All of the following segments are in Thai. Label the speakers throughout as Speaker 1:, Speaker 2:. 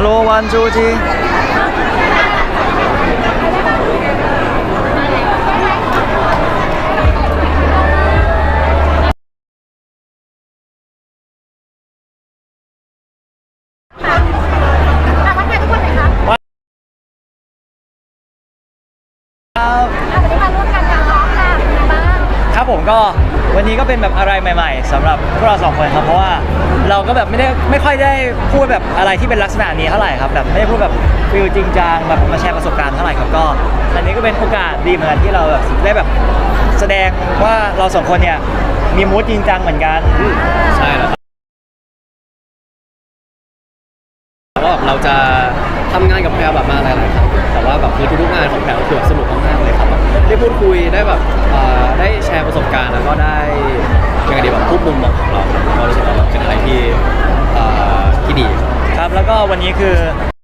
Speaker 1: Hello one two three
Speaker 2: วันนี้มาร่วมกันกับน้องค่ะเป็นไงบ้าง
Speaker 1: ครับผมก็วันนี้ก็เป็นแบบอะไรใหม่ๆสำหรับพวกเราสองคนครับเพราะว่าเราก็แบบไม่ค่อยได้พูดแบบอะไรที่เป็นลักษณะนี้เท่าไหร่ครับแบบไม่ได้พูดแบบฟิลจริงจังแบบมาแชร์ประสบการณ์เท่าไหร่ครับก็อันนี้ก็เป็นโอกาสดีเหมือนกันที่เราแบบได้แบบแสดงว่าเราสองคนเนี่ยมีมูดจริงจังเหมือนกัน
Speaker 3: ใช่แล้วครับว่าแบบเราจะทำงานกับแพรแบบมาหลายๆครั้งแต่ว่าแบบคือทุกๆงานของแพรคือแบบสนุกมากๆเลยครับแบบได้พูดคุยได้แบบได้แชร์ประสบการณ์แล้วก็ได้ยังไงดีแบบทุกมุมมองของเราก็รู้สึกว่าแบบเป็นอะไรที่ดี
Speaker 1: ครับแล้วก็วันนี้คือ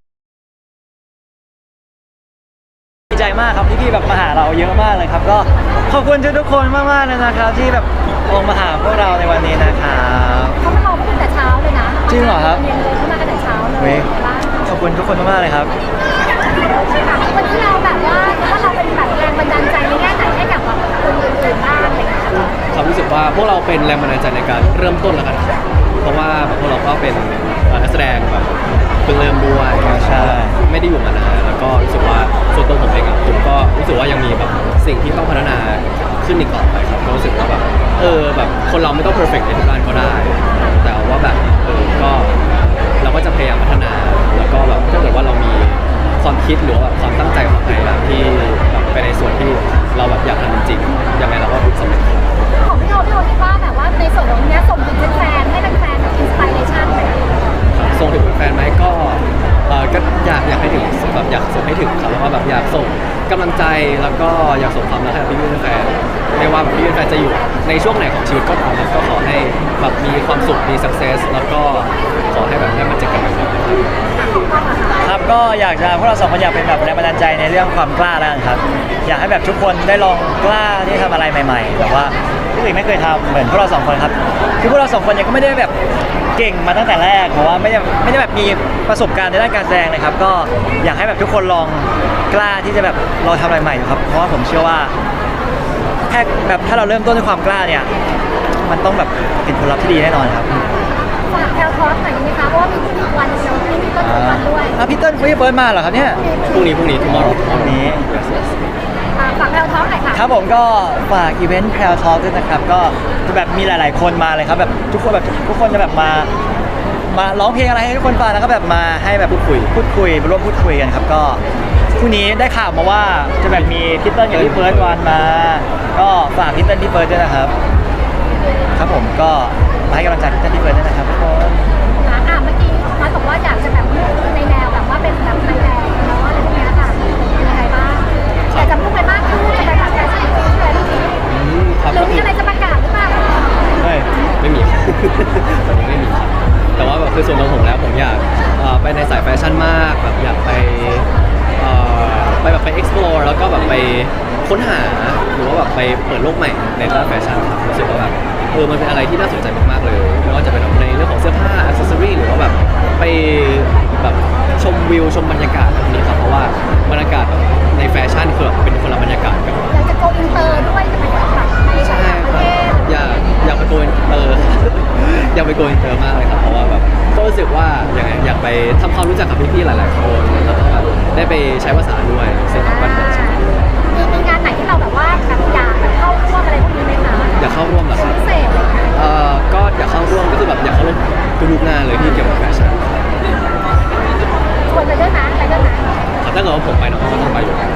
Speaker 1: ดีใจมากครับที่พี่แบบมาหาเราเยอะมากเลยครับก็ขอบคุณทุกคนมากๆเลยนะครับที่แบบลงมาหาพวกเราในวันนี้นะครับ
Speaker 2: เขามารอตั้งแต่เช้าเลยนะ
Speaker 1: จริงเหรอครับ
Speaker 2: เย็นเลยเขามาตั้งแต่เช้าเลย
Speaker 1: เว้ยขอบคุณทุกคนมากๆเลยครับ
Speaker 2: วันนี้เราแบบว่าเราเป็นแบบแรงบันดาลใจในแง่ไหนให้กับแบบคนอื่นๆบ้างอะไรเงี้ย
Speaker 3: ความรู้สึกว่าพวกเราเป็นแรงบันดาลใจในการเริ่มต้นแล้วกันครับเพราะว่าแบบพวกเราก็เป็นนักแสดงแบบเพิ่งเริ่มด้วย
Speaker 1: ใช่
Speaker 3: ไม่ได้อยู่มานานแล้วก็รู้สึกว่าส่วนตัวผมเองผมก็รู้สึกว่ายังมีแบบสิ่งที่ต้องพัฒนาขึ้นอีกต่อไปครับก็รู้สึกว่าแบบแบบคนเราไม่ต้องเพอร์เฟกต์ในทุกด้านก็ได้ แต่ว่าแบบก็เราก็จะพยายามพัฒนาแล้วก็แบบถ้าเกิดว่าเรามีความคิดหรือว่าความตั้งใจของใครแบบที่แบบไปในส่วนที่เราแบบอยากทำจริงๆยังไงเราก็สำเร็จ
Speaker 2: ของพี่โอคิดว่าแบบว่าในส่วนของนี้ส่งถึงแฟนๆให้แฟนๆแบบอินสปิเรชันไป
Speaker 3: ส่งถึงแฟนไหมก็อยากให้ถึงแบบอยากส่งให้ถึงครับแล้วก็แบบอยากส่งกำลังใจแล้วก็อยากส่งความรักให้พี่แฟนไม่ว่าพี่แฟนจะอยู่ในช่วงไหนของชีวิตก็ตามก็ขอให้แบบมีความสุขมี success แล้วก็ขอให้แบบได้มาเจอกันนะครับ
Speaker 1: ครับก็อยากจะพวกเราสองคนอยากเป็นแบบแรงบันดาลใจในเรื่องความกล้าแล้วกันครับอยากให้แบบทุกคนได้ลองกล้าที่ทำอะไรใหม่ๆแบบว่าผู้อื่นไม่เคยทำเหมือนพวกเราสองคนครับคือพวกเราสองคนเนี่ยก็ไม่ได้แบบเก่งมาตั้งแต่แรกเพราะว่าไม่ได้แบบมีประสบการณ์ในด้านการแสดงเลยครับก็อยากให้แบบทุกคนลองกล้าที่จะแบบลองทำอะไรใหม่ดูครับเพราะว่าผมเชื่อว่าแค่แบบถ้าเราเริ่มต้นด้วยความกล้าเนี่ยมันต้องแบบเป็นผลลัพธ์ที่ดีแน่นอนครับ
Speaker 2: ฝากแพลทอล์กหน่อยได้ไหมคะเพราะว่ามีวันเดียวที่พี่ต้นทุกวันด้วย
Speaker 1: พี่เติ้ลพี่เฟิร์สมาเหรอครับเนี่ย
Speaker 3: พรุ่งนี้ tomorrow
Speaker 1: พรุ่งนี้
Speaker 2: ฝากแพลทอล์กหน่อยค่ะ
Speaker 1: ครับผมก็ฝากอีเวนต์แพลทอล์กด้วยนะครับก็จะแบบมีหลายๆคนมาเลยครับแบบทุกคนจะแบบมาร้องเพลงอะไรให้ทุกคนฟังแล้วก็แบบมาให้แบบพูดคุยมาร่วมพูดคุยกันครับก็พรุ่งนี้ได้ข่าวมาว่าจะแบบมีพี่เติ้ลกับพี่เฟิร์สวันมาก็ฝากพี่เติ้ลพี่เฟิร์สด้วยนะครับครับผมก็มาให้กำลังใจพี่เติ้ลพี่เฟิร์สด้วยนะครับทุกคน
Speaker 2: เมื่อกี้มาบอกว่าอยากจะแบบในแนวแบบว่าเป็นแบบไทยแลนด์เนาะอะไรพวกนี้ค่ะเป็นยังไงบ้างอยากจะพูดไปมากขึ้นจะไปแบบแฟชั่นวีคอะไรพวกนี้หรือมีอะไรจะประกาศหรือเปล่า
Speaker 3: ไม่มีตอนนี้ไม่มีครับแต่ว่าแบบคือส่วนตัวผมแล้วผมอยากไปในสายแฟชั่นมากแบบอยากไปแบบไป explore แล้วก็แบบไปค้นหาหรือว่าแบบไปเปิดโลกใหม่ในด้านแฟชั่นครับรู้สึกว่าแบบมันเป็นอะไรที่น่าสนใจมากๆเลยไม่ว่าจะเป็นในเรื่องของเสื้อผ้าอิสเซอรี่หรือว่าแบบไปแบบชมวิวชมบรรยากาศแบบนี้ครับเพราะว่าบรรยากาศแบบในแฟชั่นคือแบบเป็นคนละบรรยากาศกัน
Speaker 2: อยากจะโกอินเตอร์ด้วยใช่ไหมคะในต่างประเทศ
Speaker 3: อยากไปโกอินเตอร์อยากไปโกอินเตอร์มากเลยครับเพราะว่าแบบก็รู้สึกว่าอยากไปทำความรู้จักกับพี่ๆหลายๆคนแล้วก็แบบได้ไปใช้ภาษาด้วยซึ่งมันเป็น
Speaker 2: มีงานไหนที่เราแบบว่าแบบอยากแบบเข้าร่วมอะไรพวกนี้ไหมคะ
Speaker 3: อยากเข้าร่วมเหรอครับ
Speaker 2: พิเศษเลย
Speaker 3: ก็อยากเข้าร่วมก็คือแบบอยากเข้าร่วมทุกๆงานเลยที่เกี่ยวกับแฟชั่น
Speaker 2: ชวนไปด้วยนะไปด้วยนะ
Speaker 3: ถ้าเกิดว่าผมไปน้องก็ต้องไปอยู่แล้ว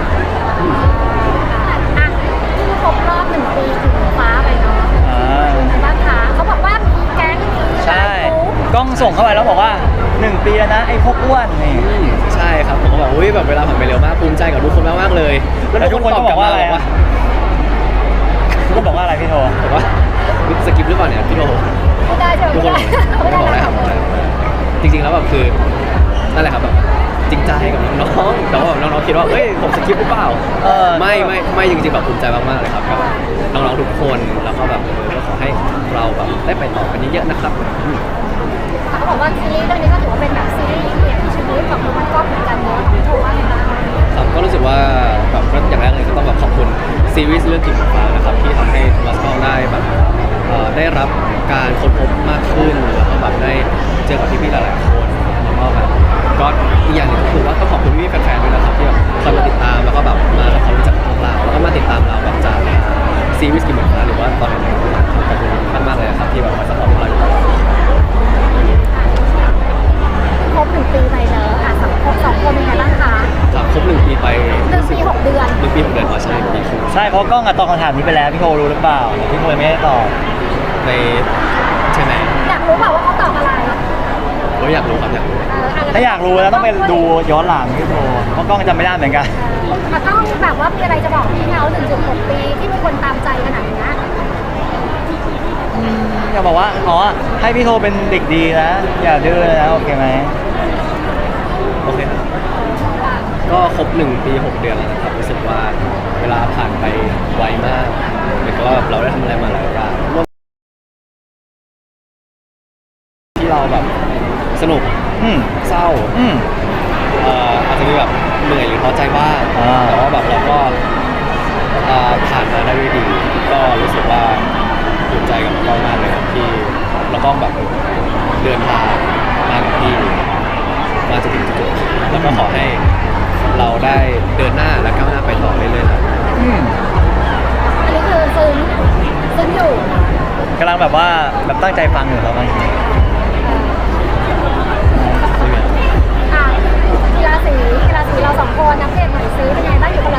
Speaker 2: ที่ครบรอบ1 ปีถึงฟ้าไปเนาะบ้านขาเขาบอกว่ามีแก๊ง
Speaker 1: ใช่กล้องส่งเข้าไปแล้วบอกว่า1 ปีแล้วนะไอ้พวกอ้วนนี่
Speaker 3: ใช่ครับผมก็แบบแบบเวลาผ่านไปเร็วมากภูมิใจกับทุกคนมากๆเลย
Speaker 1: แล้วทุกคนก็บอกว่าอะไรทุกคนบอกว่าอะไรพี่โท
Speaker 3: บอกว่าสกิปหรือเปล่าเนี่ยพี่โท
Speaker 2: ไม่ได้ใช่ไหมไม่ได้
Speaker 3: บอกได้ครับจริงๆแล้วแบบคือนั่นแหละครับแบบจริงใจกับน้องๆแต่ว่าน้องๆคิดว่าเฮ้ยผมสกิปหรือเปล่าไม่จริงๆแบบภูมิใจมากๆเลยครับก็แบบน้องๆทุกคนแล้วก็แบบก็ขอให้เราแบบได้ไปต่อกันเยอะๆนะครับ
Speaker 2: เขาบอกว่าซีรีส์เรื่องนี้ก็ถือว่าเป็นแบบซีรีส์เปลี่ยนชีวิตของ
Speaker 3: ซีรีส์เรื่องกิ่งฟ้านะครับที่ทำให้โทมัสกล้องได้แบบได้รับการค้นพบมากขึ้นแล้วก็แบบได้เจอกับพี่ๆหลายๆคนแล้วก็แบบก็อีกอย่างหนึงก็คือว่าต้องขอบคุณพี่ๆแฟนๆด้วยนะครับที่แบบคอยมาติดตามแล้วก็แบบมาทำความรู้จักพวกเราแล้วก็มาติดตามเราแบบจากซีรีส์กิ่งฟ้าหรือว่าตอนไหนๆก็ตามขอบคุณมากๆเลยนะครับที่แบบคอยสปอร์ตพวกเราอยู่ตลอด
Speaker 2: ครบ1 ปีไปแล้วอ่ะ2 คนเป็นไงบ้างคะ
Speaker 3: ครับครบ1 ปีไป
Speaker 2: 1 ปี 6 เดือน
Speaker 3: 1 ปี 6 เดือนอ๋อใช่1 ปีครึ่ง
Speaker 1: ใช่เพราะกล้องอะตอบคำถามนี้ไปแล้วพี่โครู้หรือเปล่าพี่โคยังไม่ได้ตอบ
Speaker 3: ในใช่ไหม
Speaker 2: อยากรู้เปล่าว่าเขาตอบอะไร
Speaker 3: เราอยากรู้ครับอยากรู้
Speaker 1: ถ้าอยากรู้แล้วต้องไปดูย้อนหลังพี่โคเพราะกล้องจำไม่ได้เหมือนกัน
Speaker 2: มันต้องแบบว่ามีอะไรจะบอกพี่เขา1.6 ปีที่มีคนตามใจขนาดนี้
Speaker 1: อยากบอกว่าอ๋อให้พี่โทเป็นเด็กดีนะอย่าดื้อนะโอเคไหม
Speaker 3: โอเคก็ครบ1 ปี 6 เดือนแล้วนะครับรู้สึกว่าเวลาผ่านไปไวมากเหมือนกับว่าเราได้ทำอะไรมาหลายอย่างที่เราแบบสนุก
Speaker 1: อืม
Speaker 3: เศร้า
Speaker 1: อืม
Speaker 3: อาจจะมีแบบเหนื่อยหรือท้อใจบ้าง
Speaker 1: อ่า
Speaker 3: แต่ว่าแบบเราก็ผ่านมาได้ด้วยดี ก็รู้สึกว่าภูมิใจกับน้องมากเลยครับที่เราก็แบบเดินทางมากับพี่มาจนถึงจุดนี้แล้วก็ขอให้เราได้เดินหน้าและก้าวหน้าไปต่อเรื่อยๆครับ
Speaker 1: อืม
Speaker 2: อันนี้คือซึ้งอยู่
Speaker 1: กำลังแบบว่าแบบตั้งใจฟังอยู่ครับบางที
Speaker 2: อ่ะกีฬาสีเรา2 คนนักเรียนหน่อยซิเป็นไงบ้างอยู่คนละ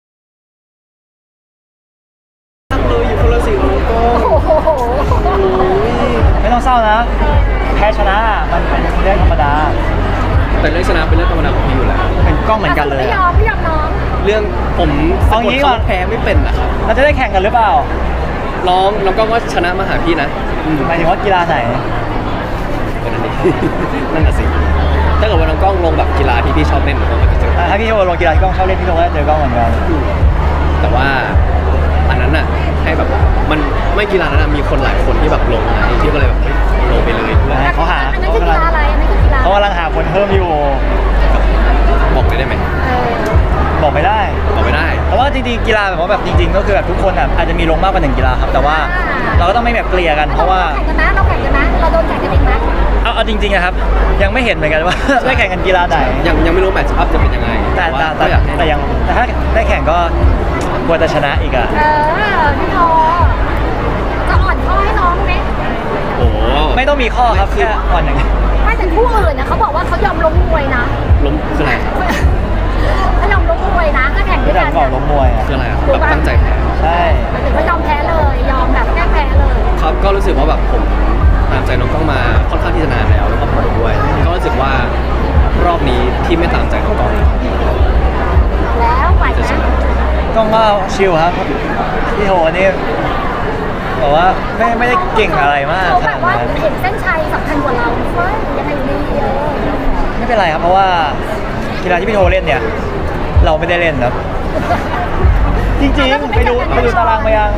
Speaker 3: เลยอยู่คนละสีกับน้องกล้อง
Speaker 2: โอ้โห
Speaker 1: ไม่ต้องเศร้านะแพ้ชนะมันเป็นเรื่องธรรมดา
Speaker 3: แต่เรื่องชนะเป็นเรื่องธรรมดาของพี่อยู่แล้ว
Speaker 1: เป็นกล้องเหมือนกันเลย
Speaker 2: ไม่ย
Speaker 1: อะ
Speaker 2: อมน้อง
Speaker 3: เรื่องผมสะ
Speaker 1: เอา
Speaker 3: กด
Speaker 1: งี้ก่อน
Speaker 3: คำว่าแพ้ไม่เป็นนะครับ
Speaker 1: เราจะได้แข่งกันหรือเปล่า
Speaker 3: น้องก็ว่าชนะมาหาพี่นะ
Speaker 1: หมายถึงว่ากีฬาไหน
Speaker 3: ก็นั่นเอง นั่นน่ะสิถ้าเกิดว่าน้องกล้องลงแบบกีฬาที่พี่ชอบเล่นน้องก็จะเจอ
Speaker 1: ถ้าพี่โทลงกีฬาที่กล้องชอบเล่นพี่โทก็จะเจอกล้องเหมือนกัน
Speaker 3: แต่ว่าอันนั้นน่ะให้แบบมันไม่กีฬานั้นนะมีคนหลายคนที่แบบลงนะพี่ก็เลยแบบเฮ้ยลงไปเลยเพื่อ
Speaker 2: ๆ
Speaker 3: ให้
Speaker 1: เขาหา
Speaker 2: อันนั้นคือกีฬาอะไรอันนั้นคือกีฬา
Speaker 1: เขากำลังหาคนเพิ่มอยู่
Speaker 3: บอกเลยได้ไหม
Speaker 2: เออ
Speaker 1: บอกไม่ได้
Speaker 3: บอกไม่ได้
Speaker 1: แต่ว่าจริงๆกีฬาแบบว่าแบบจริง ๆ ก็คือแบบทุกคนแบบอาจจะมีลงมากกว่า1 กีฬาครับ แต่ว่าเราก็ต้องไม่แบบเกลี่ยกันเพราะว่า
Speaker 2: แข่งกันนะเราแข่งกันนะเราโดนแข่งกันเองนะ
Speaker 1: เอาจริงๆนะครับ ยังไม่เห็นเหมือนกันว่า ได้แข่งกันกีฬาไหน
Speaker 3: ยังไม่รู้แมตช์อัพจะเป็นยังไง
Speaker 1: แต่
Speaker 3: ว่าก็อยากให้
Speaker 1: แต่ยังแต่ถ้าได้แข่งก็ควรจะชนะอีกอะ
Speaker 2: พี่โทจะอ่อนข้อให้น้องไหม
Speaker 3: โอ้โห
Speaker 1: ไม่ต้องมีข้อครับแค่อ่อนอย่างเดียว
Speaker 2: ไม่แต่คู่อื่นนะเขาบอกว่าเขายอมล้มมวยนะ
Speaker 3: ล้มคืออะไรครับ
Speaker 2: เขายอมล้มมวยนะถ้าแข่งด้
Speaker 1: ไม่
Speaker 2: วย
Speaker 1: ต้อ
Speaker 2: กั
Speaker 1: ง
Speaker 2: น
Speaker 1: บอกล้มมวยอะ
Speaker 3: คืออะไรครับแบบตั้งใจแพ้
Speaker 1: ใช่
Speaker 2: หรือว่ายอมแพ้เลยยอมแบบแก้แพ้เลย
Speaker 3: ครับก็รู้สึกว่าแบบผมตามใจน้องกล้องมาค่อนข้างที่จะนานแล้วก็ผมด้วยก็รู้สึกว่ารอบนี้ที่ไม่ตามใจน้องกล้อง
Speaker 2: แล้วไหว
Speaker 3: จะช
Speaker 2: นะ
Speaker 3: นะ
Speaker 1: ต้องว่าชิลครับพี่โหนี่บอกว่าไม่ได้เก่งอะไรมาก
Speaker 2: เขา
Speaker 1: ข
Speaker 2: แบ
Speaker 1: นา
Speaker 2: บ
Speaker 1: ด
Speaker 2: ว่า
Speaker 1: นั้น
Speaker 2: เห็นเส้นชัยสำคัญกว่าเราเฟ้ยยังไงดี
Speaker 1: ไม่เป็นไรครับเพราะว่ากีฬาที่พี่โทเล่นเนี่ย เราไม่ได้เล่นครับ จริงๆไปดูตารางมายัง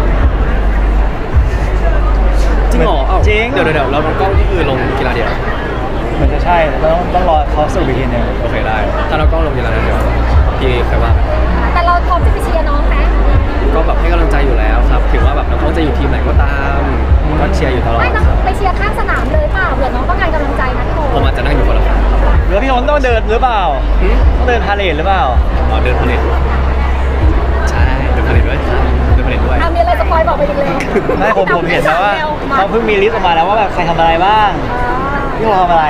Speaker 3: จริงเหรอเอ้า
Speaker 1: จริง
Speaker 3: เดี๋ยวเราน้องกล้องก็คือลงกีฬาเดียว
Speaker 1: เหมือนจะใช่ต้องรอเขาสรุปอีกทีหนึง
Speaker 3: โอเคได้ ถ้าน้องกล้องลงกีฬานั้นเดี๋ยวพี่ใครว่า
Speaker 2: แต่เราพร้อมจะไปเชียร์น้องไหม
Speaker 3: ก็แบบให้กำลังใจอยู่แล้วครับถึงว่าแบบน้องกล้องจะอยู่ทีมไหนก็ตามก็เชียร์อยู่ตลอด
Speaker 2: ไม่น้อง
Speaker 3: ครับ
Speaker 2: ไปเชียร์ข้างสนามเลยเปล่าเผื่อน้องต้องการกำลังใจนะพี่โท
Speaker 3: ผมอาจจะนั่งอยู่คนละฝั่ง
Speaker 1: หรือว่าพี่โทต้องเดินหรือเปล่าต้องเดินพาเลทหรือเปล่า
Speaker 3: อ๋อเดินพาเลทใช่เดินพาเลทด้วยครับเดินพาเลทด้วย
Speaker 2: มีอะไรสปอยบอกไปอีกเลย
Speaker 1: ไม่ผมเห็นแล้วว่าเขาเพิ่งมีลิสต์ออกมาแล้วว่าแบบใครทำอะไรบ้างพี่โททำอะไร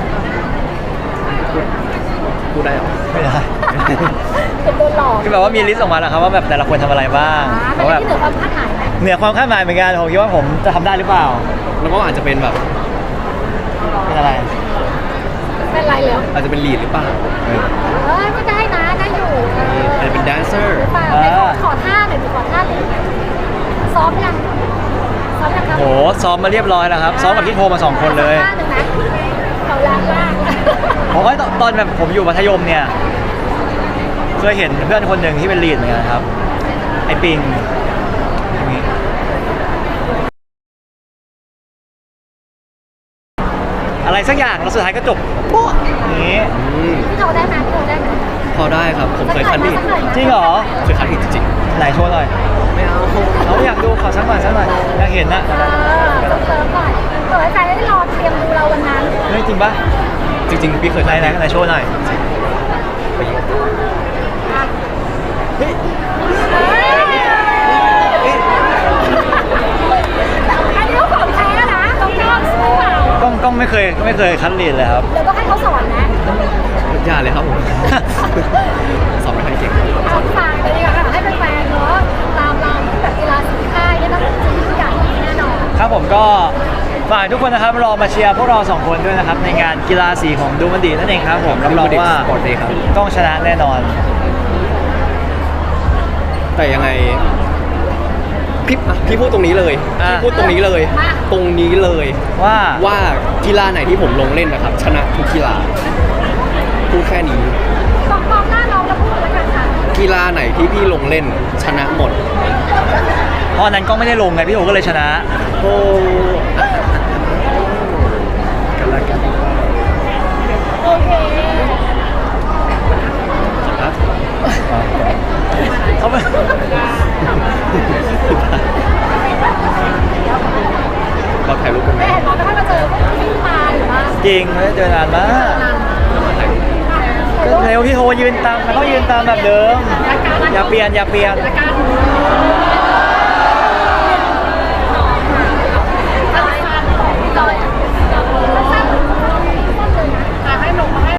Speaker 3: พูดได้เหรอ
Speaker 1: ไม่ได้
Speaker 2: เป็นโดนหลอก
Speaker 1: คือแบบว่ามีลิสต์ออกมาแล้วครับว่าแบบแต่ละคนทำอะไรบ้างเพ
Speaker 2: แต่
Speaker 1: ราะแบบ
Speaker 2: ที่เหนือความคาดหมายไหม
Speaker 1: เหนือความคาดหมายเหมือนกันผมคิดว่าผมจะทำได้หรือเปล่า
Speaker 3: น้องกล้องอาจจะเป็นแบบ
Speaker 1: เป็นอะไร
Speaker 2: เป็นไรแล้ว
Speaker 3: อาจจะเป็นลีดหรือเปล่า
Speaker 2: ก็ได้นะได้อยู่
Speaker 3: อาจจะเป็นแดนเซอร์
Speaker 2: หรือเปล่าไหนขอท่าหน่อยดิขอท่าเลยซ้อมยังครับ
Speaker 1: โหซ้อมมาเรียบร้อยแล้วครับซ้อมกับพี่โทมา2 คนเลย
Speaker 2: ท่าหนึ่งนะเขาล้างล่าง
Speaker 1: ผมว่าตอนแบบผมอยู่มัธยมเนี่ยเคยเห็นเพื่อนคนหนึ่งที่เป็นลีดเหมือนกันครับ ไอปิงอย่างนี้อะไรสักอย่างแล้วสุดท้ายก็จบปุ๊บอย่างนี้
Speaker 3: อืม
Speaker 2: พี่โทได้ไหมพี่โทได้ไหม
Speaker 3: พอได้ครับผมเคยคันผิด
Speaker 1: จริงเหรอ
Speaker 3: เคยคันผิดจริง
Speaker 1: ไหนโชว์หน่อย
Speaker 3: ๆไม่เอา
Speaker 1: เราอยากดูขอสักหน่อยอยากเห็นนะ
Speaker 2: เซิร์ฟก่อนเปิดใจได้รอเตรียมดูเราวันนั้น
Speaker 1: เฮ้ยจริงปะ
Speaker 3: จริงๆพี่เคย
Speaker 1: ไหน
Speaker 3: คัน
Speaker 1: ไหน
Speaker 3: ผิด
Speaker 1: ไหนโชว์หน่อยเฮ้ย
Speaker 2: อันนี้ก็ของแท้นะต้องยอมสู้เปล่าก
Speaker 1: ล้องไม่เคยคัดลีดเลยครับ
Speaker 2: เดี๋ยวต้องให้เขาสอนนะ
Speaker 3: อย่าเลยครับผม สอบไม่ค่อยเก่ง
Speaker 2: เอาฝากไปดีกว่าค่ะให้แฟนๆเนาะตามเราแบบกีฬาสีค่ายเนี่ยต้องจริงทุกอย่างแน่นอน
Speaker 1: ครับผมก็ฝากทุกคนนะครับรอมาเชียร์พวกเราสองคนด้วยนะครับในงานกีฬาสีของดูมันดีนั่นเองครับผมรับรองว่า
Speaker 3: สปอร์ตเดย์ครับ
Speaker 1: ต้องชนะแน่นอน
Speaker 3: แต่ยังไงพี่พูดตรงนี้เลย
Speaker 1: อ่ะ
Speaker 3: พี่พูดตรงนี้เลย ตรงนี้เลย
Speaker 1: ว่า
Speaker 3: ว่ากีฬาไหนที่ผมลงเล่นนะครับ ชนะทุกกีฬาพูดแค่นี้
Speaker 2: มองหน้าน้องแล้วพูดแล้วกันค่ะ
Speaker 3: กีฬาไหนที่พี่ลงเล่นชนะหมด
Speaker 1: เพราะอันนั้นก็ไม่ได้ลงไงพี่โอก็เลยชนะ
Speaker 3: โอ้กันละกัน
Speaker 2: โอเค
Speaker 3: ครับ
Speaker 1: เขาไม่
Speaker 3: เราถ่ายรูปกันไหม
Speaker 2: ไม่เห็นน้องไม่ค่อยมาเจอพวกพี่ปาหรือว่า
Speaker 1: จริงไม่ได้เจอนานมาก
Speaker 3: เรามาถ่ายรูปกัน
Speaker 1: ก็เร็วพี่โทยืนตามมันต้องยืนตามแบบเดิม อย่าเปลี่ยน
Speaker 2: รายการ